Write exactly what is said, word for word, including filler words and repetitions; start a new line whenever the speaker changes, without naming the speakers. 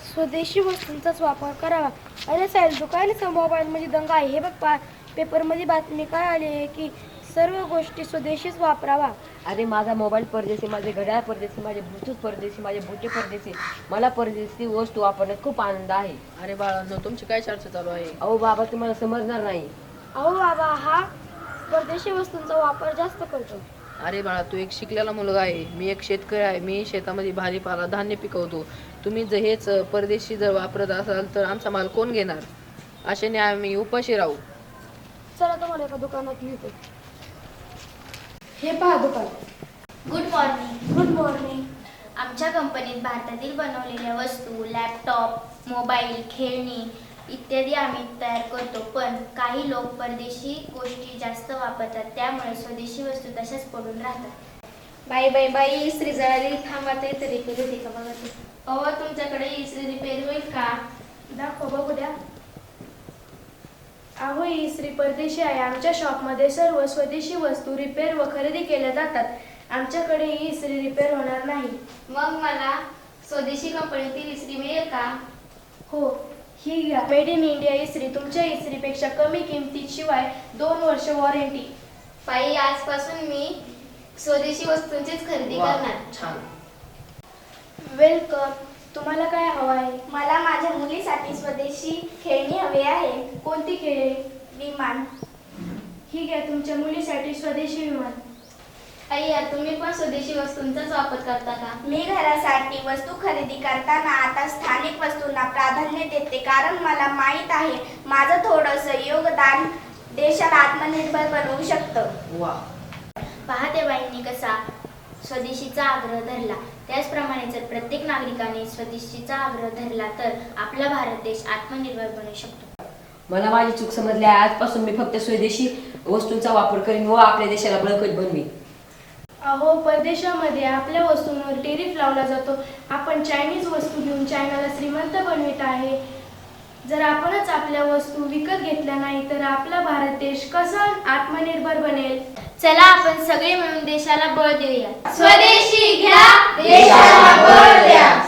स्वदेशी वस्तूंचाच वापर करावा. अरे साहेब, दुकानाचा मोबाईलमध्ये दंगा आहे. हे बघ पा पेपरमध्ये बातमी काय आली आहे की सर्व गोष्टी स्वदेशीच वापरावा.
अरे माझा मोबाईल परदेशी, माझे घड्याळ परदेशी, माझे ब्लूटूथ परदेशी, माझे बुटे परदेशी. मला परदेशी वस्तू वापरण्यात खूप आनंद आहे.
अरे बाळांनो, तुमची काय चर्चा चालू आहे?
अहो बाबा, तुम्हाला समजणार नाही.
अहो बाबा, हा परदेशी वस्तूंचा वापर जास्त करतो.
अरे बाळा, तू एक शिकलेला मुलगा आहे, मी एक शेतकरी आहे. मी शेतामध्ये भाजीपाला धान्य पिकवतो. तुम्ही जर हेच परदेशी जर वापरत असाल तर आमचा माल कोण घेणार? अशाने आम्ही उपाशी राहू.
चला तुम्हाला एका दुकानात नेतो. हे पहा दुकान.
Good morning.
Good morning.
आमच्या कंपनीत भारतातील बनवलेल्या वस्तू, लॅपटॉप, मोबाईल, खेळणी इत्यादी आम्ही तयार करतो. पण काही लोक परदेशी गोष्टी जास्त वापरतात, त्यामुळे स्वदेशी वस्तू तशाच पडून राहतात.
बाई बाई बाई इस्त्री जळाली, थांबा ते रिपेअर होते का बघा ते.
अहो, तुमच्याकडे इस्त्री रिपेअर होईल का?
दाखव बघू द्या. अहो, ही इस्त्री परदेशी आहे. आमच्या शॉपमध्ये सर्व स्वदेशी वस्तू रिपेअर व खरेदी केल्या जातात. आमच्याकडे ही इस्त्री रिपेअर होणार नाही.
मग मला स्वदेशी कंपनीतील इस्त्री मिळेल का?
हो, ही घ्या. मेड इन इंडिया इस्त्री. तुमच्या इस्त्रीपेक्षा कमी किमतीत शिवाय दोन वर्ष वॉरंटी.
बाई, आजपासून मी स्वदेशी वस्तूंचीच खरेदी
वा,
करणार.
छान.
वेलकम. तुम्हाला काय हवं आहे?
मला माझ्या मुलीसाठी स्वदेशी खेळणी हवी आहे.
कोणती खेळे?
विमान.
ही घ्या तुमच्या मुलीसाठी स्वदेशी विमान.
अय्या, तुम्ही पण स्वदेशी वस्तूंचाच वापर करता का?
मी घरासाठी वस्तू खरेदी करताना आता स्थानिक वस्तूंना प्राधान्य देते, कारण मला माहीत आहे माझं थोडंसं योगदान देशाला आत्मनिर्भर बनवू शकतं.
वा.
पहा बाईंनी कसा स्वदेशीचा आग्रह धरला. त्याचप्रमाणे जर प्रत्येक नागरिकाने स्वदेशीचा आग्रह धरला तर आपला भारत देश आत्मनिर्भर बनू शकतो.
मला माझी चूक समजली आहे. आजपासून मी फक्त स्वदेशी वस्तूंचा वापर करीन व आपल्या देशाला बळकट बनवीन.
अहो, परदेशामध्ये आपल्या वस्तूंवर टेरिफ लावला जातो. आपण चायनीज वस्तू घेऊन चायनाला श्रीमंत बनवित आहे. जर आपणच आपल्या वस्तू विकत घेतल्या नाही तर आपला भारत देश कसा आत्मनिर्भर बनेल?
चला आपण सगळे मिळून देशाला बळ देऊया.
स्वदेशी घ्या, देशाला बळ द्या.